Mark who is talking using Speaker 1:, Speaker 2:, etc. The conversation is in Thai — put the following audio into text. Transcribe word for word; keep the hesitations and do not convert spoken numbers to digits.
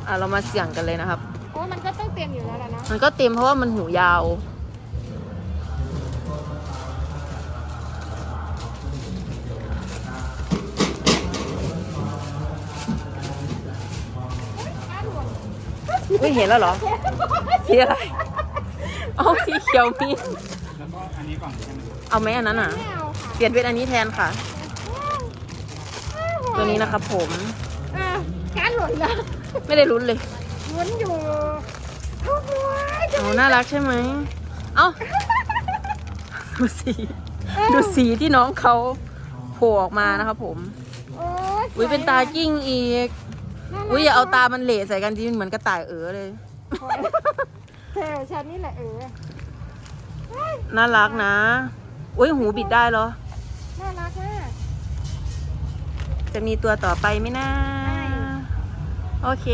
Speaker 1: อ่ะเรามาเสี่ยงกันเลยนะครับ
Speaker 2: โอ้มันก็ต้องเต็มอยู่แล้วนะ
Speaker 1: มันก็เต็มเพราะว่ามันหูยาวอุ้ยเห็นแล้วเหรอสีอะไรเอาสีเขียวมี
Speaker 3: แล้วก็อันนี้ก่อนใช่ไหม
Speaker 1: เอาไหมอันนั้นอ่ะ
Speaker 2: ไม่เอาค่ะ
Speaker 1: เปลี่ยนเป็นอันนี้แทนค่ะ ตัวนี้นะครับผม
Speaker 2: อ่ะการหล่นแล้ว
Speaker 1: ไม่ได้ลุ้นเลย
Speaker 2: ลุ้นอยู่โอ้โห
Speaker 1: โอ้น่ารักใช่ไหมเอ้าดูสีดูสีที่น้องเขาโผล่ออกมานะครับผม
Speaker 2: โอ้ย
Speaker 1: อุ้ยเป็นตากิ้งอีกอุ้ยอย่าเอาตามันเหละใส่กันทีมันเหมือนกระต่ายเอ๋อเลย
Speaker 2: เทวฉันนี่แหละเออ
Speaker 1: น่ารักนะอุ้ยหูบิดได้เหรอ
Speaker 2: น่ารักมาก
Speaker 1: จะมีตัวต่อไปไหมนะโอเค